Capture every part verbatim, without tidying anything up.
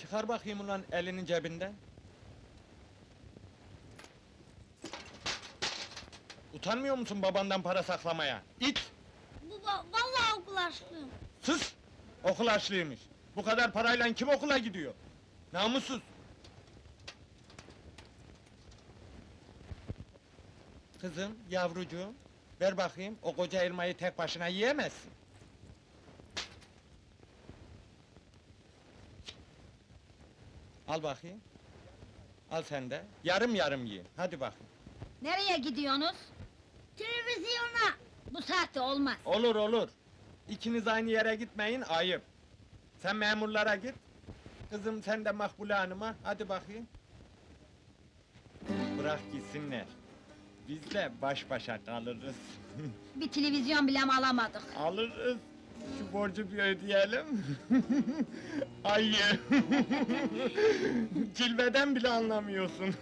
Çıkar bakayım ulan elinin cebinden. Utanmıyor musun babandan para saklamaya? İt! Baba, vallahi okul açlıyım. Sus! Okul açlıymış. Bu kadar parayla kim okula gidiyor? Namussuz! Kızım, yavrucuğum, ver bakayım, o koca elmayı tek başına yiyemezsin. Al bakayım. Al sen de, yarım yarım yiyin, hadi bakayım. Nereye gidiyorsunuz? Televizyona! Bu saatte olmaz. Olur olur. İkiniz aynı yere gitmeyin, ayıp. Sen memurlara git. Kızım sen de Makbule Hanım'a, hadi bakayım. Bırak gitsinler. Biz de baş başa kalırız. Bir televizyon bile mi alamadık? Alırız. Şu borcu bir ödeyelim. Ayı. Cilveden bile anlamıyorsun.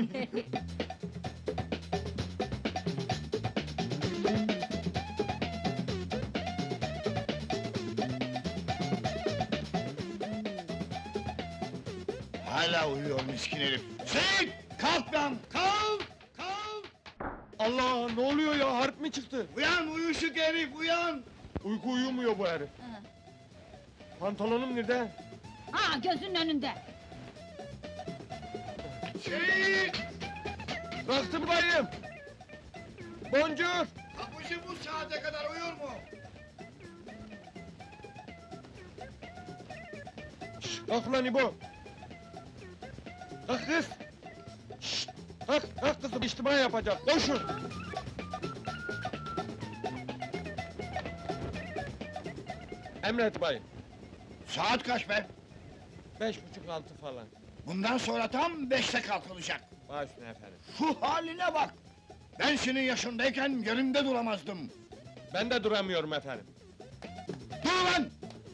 Hala uyuyor miskin herif. Seyit! Kalk lan! Kalk! Kalk! Allah, ne oluyor ya, harp mi çıktı? Uyan uyuşuk herif uyan! Uyku uyumuyor bu herif. Ha. Pantolonum nerede? Ha, gözünün önünde. Seyit! Baktım bayım. Boncuk. Kapıcı bu saate kadar uyur mu? Şşş, kalk ulan İbo! Kalk kız! Şşş! Kalk, kalk kızım, içtima yapacak, koşun! Emret bayım, Saat kaç be? beş buçuk altı falan. Bundan sonra tam beşte kalkılacak. Baş üstüne efendim. Şu haline bak! Ben senin yaşındayken yerimde duramazdım. Ben de duramıyorum efendim. Dur lan!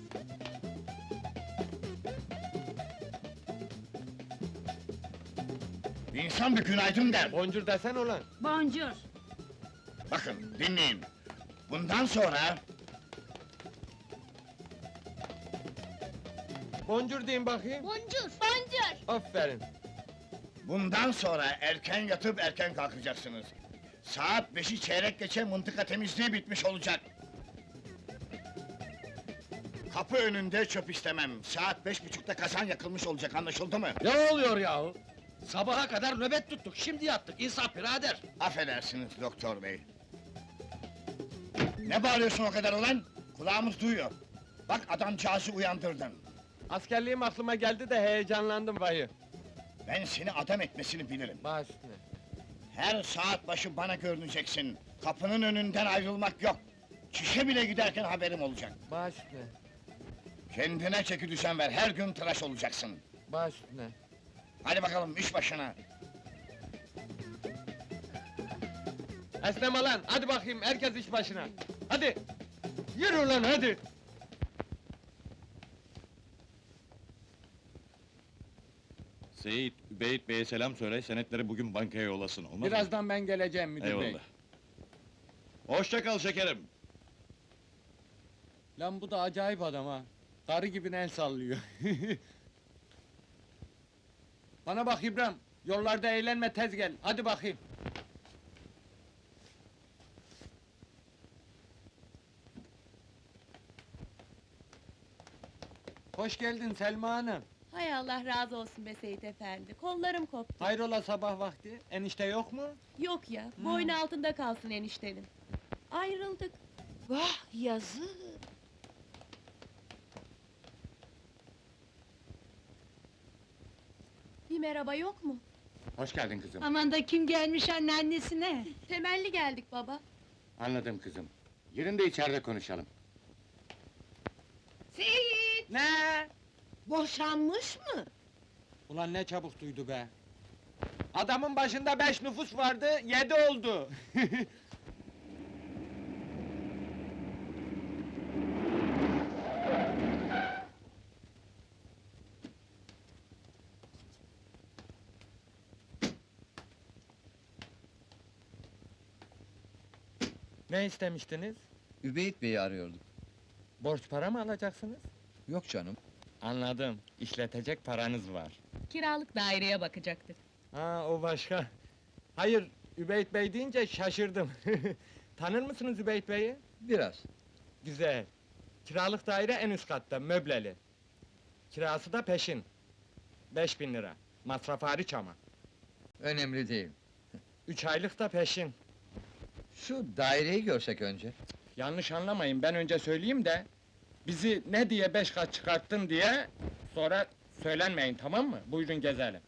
İnsan bir günaydın der. Boncuk desen ulan! Boncuk. Bakın dinleyin. Bundan sonra Boncuk deyin bakayım. Boncuk! Boncuk! Aferin. Bundan sonra erken yatıp erken kalkacaksınız. Saat beşi çeyrek geçe mıntıka temizliği bitmiş olacak. Kapı önünde çöp istemem. Saat beş buçukta kazan yakılmış olacak, anlaşıldı mı? Ne oluyor yahu? Sabaha kadar nöbet tuttuk, şimdi yattık. İnsaf birader! Affedersiniz doktor bey. Ne bağırıyorsun o kadar ulan? Kulağımız duyuyor. Bak adamcağızı uyandırdın. Askerliğim aklıma geldi de heyecanlandım bayım. Ben seni adam etmesini bilirim. Baş üstüne. Her saat başı bana görüneceksin. Kapının önünden ayrılmak yok. Çişe bile giderken haberim olacak. Baş üstüne. Kendine çeki düzen ver, her gün tıraş olacaksın. Baş üstüne. Hadi bakalım iş başına. Esneme lan, hadi bakayım, herkes iş başına! Hadi! Yürü lan, hadi! Seyit, Übeyit Bey'e selam söyle, senetleri bugün bankaya yollasın, olmaz mı? Birazdan ben geleceğim müdür bey. Eyvallah. Hoşça kal şekerim. Lan bu da acayip adam ha! Karı gibi el sallıyor. Bana bak İbrahim, yollarda eğlenme, tez gel, hadi bakayım! Hoş geldin Selma Hanım! Hay Allah razı olsun be Seyit efendi, kollarım koptu. Hayrola sabah vakti, enişte yok mu? Yok ya, boynu altında kalsın eniştenin. Ayrıldık. Vah yazık! Bir merhaba yok mu? Hoş geldin kızım. Aman da kim gelmiş anneannesine? Temelli geldik baba. Anladım kızım. Yerinde içeride konuşalım. Seyit! Ne? Boşanmış mı? Ulan ne çabuk duydu be! Adamın başında beş nüfus vardı, yedi oldu! Ne istemiştiniz? Übeyit Bey'i arıyorduk. Borç para mı alacaksınız? Yok canım. Anladım. İşletecek paranız var. Kiralık daireye bakacaktık. Ha, o başka. Hayır, Übeyt Bey deyince şaşırdım. Tanır mısınız Übeyt Bey'i? Biraz. Güzel. Kiralık daire en üst katta, möbleli. Kirası da peşin. Beş bin lira. Masraf hariç ama. Önemli değil. Üç aylık da peşin. Şu daireyi görsek önce. Yanlış anlamayın, ben önce söyleyeyim de... ...bizi ne diye beş kat çıkarttın diye... ...sonra söylenmeyin, tamam mı? Buyurun gezelim.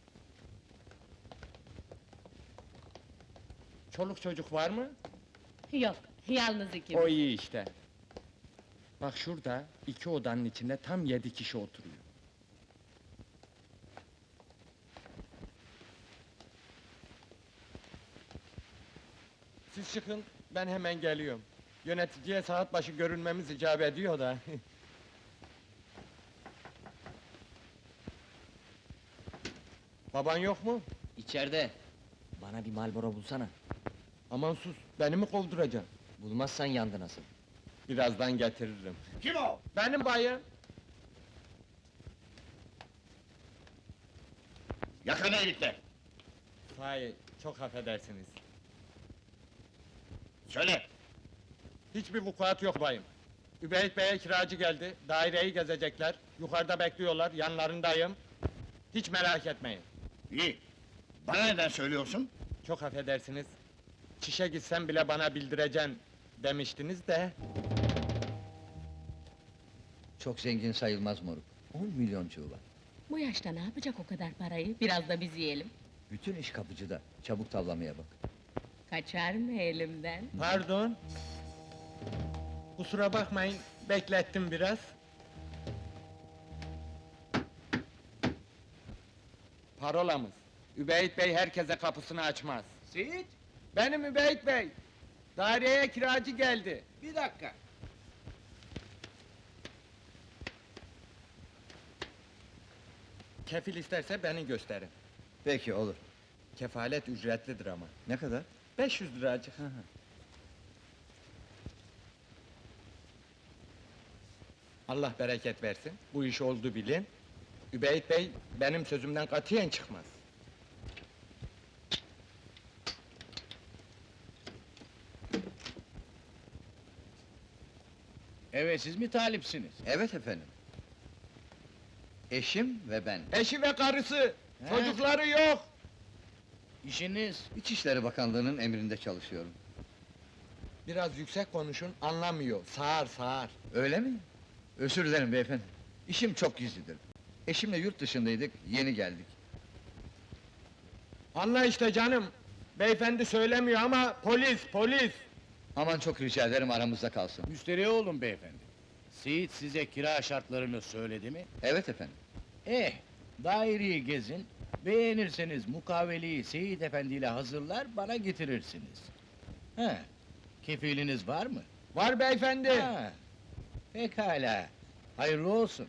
Çoluk çocuk var mı? Yok, yalnız ikimiz. O iyi işte. Bak şurada, iki odanın içinde tam yedi kişi oturuyor. Siz çıkın, ben hemen geliyorum. Yöneticiye saat başı görünmemiz icap ediyor da. Baban yok mu? İçeride. Bana bir Marlboro bulsana. Aman sus, beni mi kovduracaksın? Bulmazsan yandı nasıl? Birazdan getiririm. Kim o? Benim bayım. Yakala herifler! Hayır, çok affedersiniz. Söyle! Hiçbir vukuat yok bayım. Übeyt Bey'e kiracı geldi, daireyi gezecekler, yukarıda bekliyorlar, yanlarındayım. Hiç merak etmeyin. İyi! Bana neden söylüyorsun? Çok affedersiniz. Çişe gitsem bile bana bildireceksin demiştiniz de... Çok zengin sayılmaz moruk. On milyoncuğu var. Bu yaşta ne yapacak o kadar parayı? Biraz da biz yiyelim. Bütün iş kapıcıda. Çabuk tavlamaya bak. Kaçar mı elimden? Pardon. Kusura bakmayın, beklettim biraz. Parolamız. Übeyt Bey herkese kapısını açmaz. Seyit, Benim Übeyt Bey. Daireye kiracı geldi. bir dakika. Kefil isterse beni gösterin. Peki olur. Kefalet ücretlidir ama. Ne kadar? beş yüz liracık. Allah bereket versin. Bu iş oldu bilin. Übeyt Bey benim sözümden katiyen çıkmaz. Evet, siz mi talipsiniz? Evet efendim. Eşim ve ben. Eşi ve karısı, He? çocukları yok. İşiniz? İçişleri Bakanlığı'nın emrinde çalışıyorum. Biraz yüksek konuşun, anlamıyor. Sağır sağır. Öyle mi? Özür dilerim beyefendi. İşim çok gizlidir. Eşimle yurt dışındaydık, yeni geldik. Anla işte canım. Beyefendi söylemiyor ama polis, polis. Aman çok rica ederim aramızda kalsın. Müsterih olun beyefendi. Seyit size kira şartlarını söyledi mi? Evet efendim. Eh, daireyi gezin, beğenirseniz mukaveleyi Seyit Efendi ile hazırlar, bana getirirsiniz. He, kefiliniz var mı? Var beyefendi. Ha, pekala, hayırlı olsun.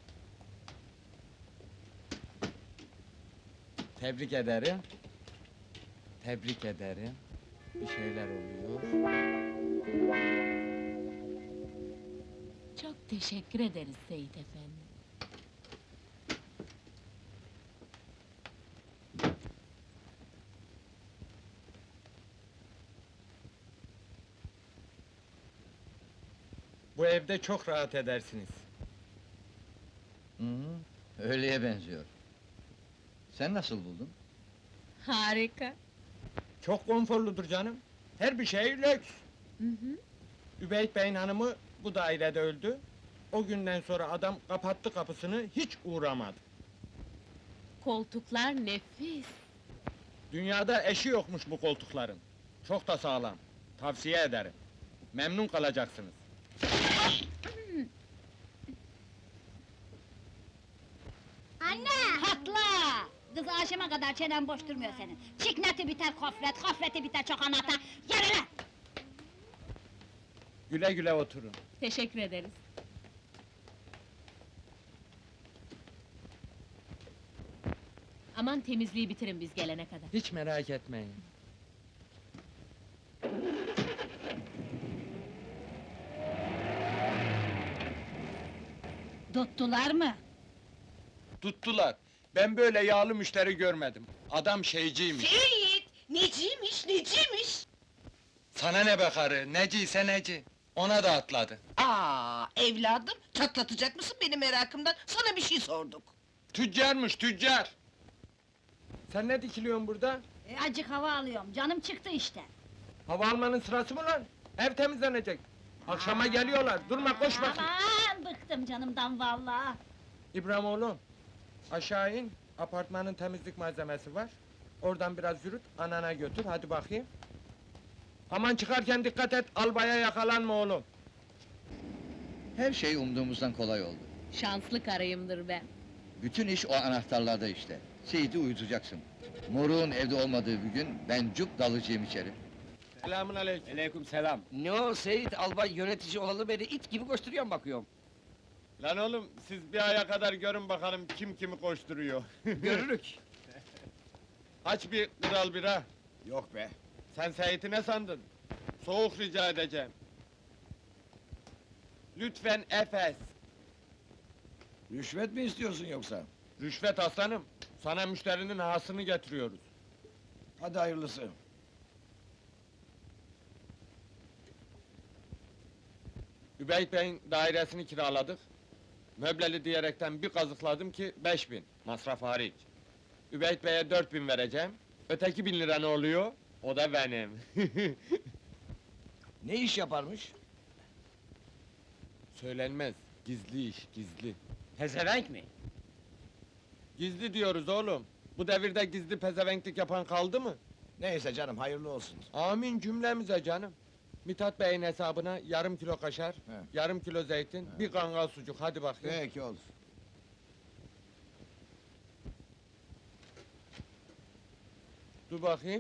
Tebrik ederim. Tebrik ederim. Bir şeyler oluyor. Çok teşekkür ederiz Seyit Efendi. Bu evde çok rahat edersiniz. Hı hı, öyleye benziyor. Sen nasıl buldun? Harika. Çok konforludur canım. Her bir şey lüks. Hı hı. Übeyt Bey'in hanımı bu dairede öldü. O günden sonra adam kapattı kapısını, hiç uğramadı. Koltuklar nefis. Dünyada eşi yokmuş bu koltukların. Çok da sağlam. Tavsiye ederim. Memnun kalacaksınız. Anne! Patla! Kız akşama kadar çenen boş durmuyor senin. Çikneti biter kofret, kofreti biter çokanata. Yürü lan! Güle güle oturun. Teşekkür ederiz. Aman temizliği bitirin biz gelene kadar. Hiç merak etmeyin. Tuttular mı? Tuttular. Ben böyle yağlı müşteri görmedim. Adam şeyciymiş. Seyit! Neciymiş, neciymiş? Sana ne be karı, neciyse neci. Ona da atladı. Aa, evladım, çatlatacak mısın beni merakımdan? Sana bir şey sorduk. Tüccarmış, tüccar! Sen ne dikiliyorsun burada? E, acık hava alıyorum, canım çıktı işte. Hava almanın sırası mı lan? Ev temizlenecek. Akşama geliyorlar, durma koş bakayım. Aman, bıktım canımdan vallahi. İbrahim oğlum, aşağı in, apartmanın temizlik malzemesi var. Oradan biraz yürüt, anana götür, hadi bakayım. Aman çıkarken dikkat et, albaya yakalanma oğlum. Her şey umduğumuzdan kolay oldu. Şanslı karıyımdır ben. Bütün iş o anahtarlarda işte. Seyit'i uyutacaksın. Moruğun evde olmadığı bir gün ben cuk dalacağım içeri. Selamun aleyküm. Aleyküm selam. Ne o Seyit albay yönetici olalı beri it gibi koşturuyorum bakıyorum. Lan oğlum, siz bir aya kadar görün bakalım kim kimi koşturuyor. Görürük. Aç bir kral bira. Yok be. Sen Seyit'i ne sandın? Soğuk rica edeceğim. Lütfen Efes. Rüşvet mi istiyorsun yoksa? Rüşvet aslanım. Sana müşterinin hasını getiriyoruz. Hadi hayırlısı. Übeyt Bey'in dairesini kiraladık. Möbleli diyerekten bir kazıkladım ki beş bin, masraf hariç. Übeyt Bey'e dört bin vereceğim. Öteki bin lira ne oluyor? O da benim. Ne iş yaparmış? Söylenmez, gizli iş, gizli. Pezevenk mi? Gizli diyoruz oğlum. Bu devirde gizli pezevenklik yapan kaldı mı? Neyse canım, hayırlı olsun. Amin cümlemize canım. Mithat Bey'in hesabına yarım kilo kaşar, He. yarım kilo zeytin, bir kangal sucuk, hadi bakayım. Peki olur. Dur bakayım.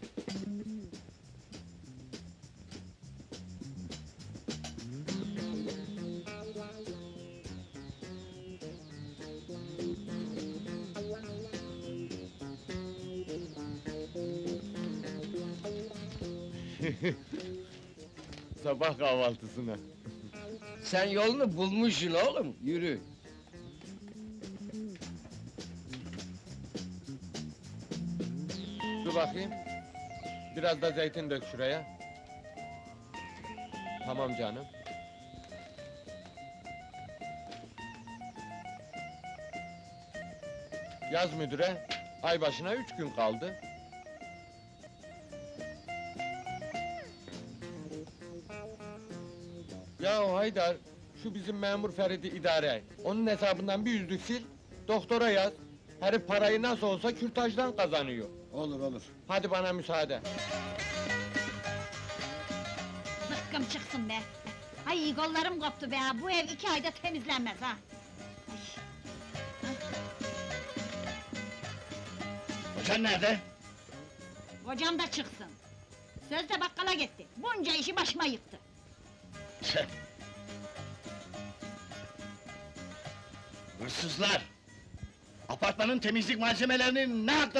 Sabah kahvaltısına. Sen yolunu bulmuşsun oğlum, yürü. Dur bakayım. Biraz da zeytin dök şuraya. Tamam canım. Yaz müdüre, ay başına üç gün kaldı. Ya Haydar, şu bizim memur Ferit'i idare et. Onun hesabından bir yüzlük sil, doktora yaz. Herif parayı nasıl olsa kürtajdan kazanıyor. Olur olur. Hadi bana müsaade. Zıkkım çıksın be! Ay kollarım koptu be! Bu ev iki ayda temizlenmez ha! Kocan nerede? Kocam da çıksın! Sözde bakkala gitti, bunca işi başıma yıktı! Tüh! Hırsızlar! Apartmanın temizlik malzemelerini ne hakla